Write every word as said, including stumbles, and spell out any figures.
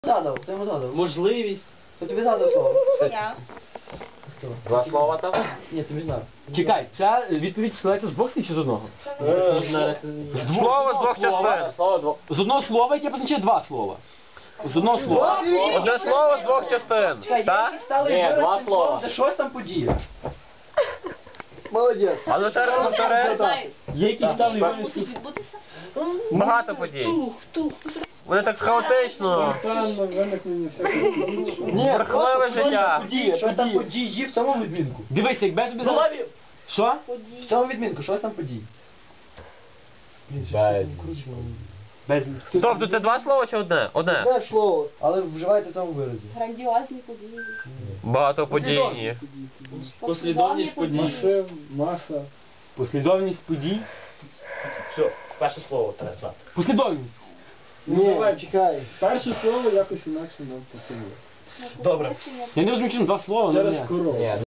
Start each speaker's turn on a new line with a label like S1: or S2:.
S1: Задав, хто йому задав?
S2: Можливість.
S1: Хто тобі задав слово?
S3: Я.
S1: Хто?
S4: Два слова там?
S1: Ні, ти не знав.
S2: Чекай, ця відповідь складається з двох слів чи з одного?
S4: Слово з двох частин. Слово двох.
S2: З одного слова, яке позначає два слова. З одного слова.
S4: Одне слово з двох частин.
S1: Чекай,
S4: Так?
S1: які стали
S4: Ні, два
S1: виразним
S4: слова.
S1: словом, де щось там подія.
S5: Молодець.
S4: А ну ще раз повтори.
S2: Є якісь стали
S3: Мусить
S2: виразним
S3: відбутися?
S4: Багато подій.
S3: Тух, тух.
S4: Вони так хаотично.
S5: Спонтанно виникнення всяких подій. Ні,
S4: Бурхливе життя.
S5: події,
S1: Щось там
S5: події.
S1: події в цьому відмінку.
S2: Дивись, якби я тобі
S1: Ну,
S2: задав... Що?
S1: В
S3: Події.
S1: цьому відмінку, щось там події.
S2: Без...
S4: Тобто це два слова чи одне? Одне.
S5: Одне слово.
S1: Але вживайте в цьому виразі.
S3: Грандіозні події.
S4: Багатоподійні.
S2: Послідовність подій.
S5: Масив, маса.
S2: Послідовність подій.
S6: Все, перше слово треба знати.
S2: Послідовність.
S5: Ні, чекай. Перше слово якось інакше нам поцілує.
S3: Добре.
S2: Я не розумію, чому два слова.
S5: Через
S2: ну, ні.
S5: корову.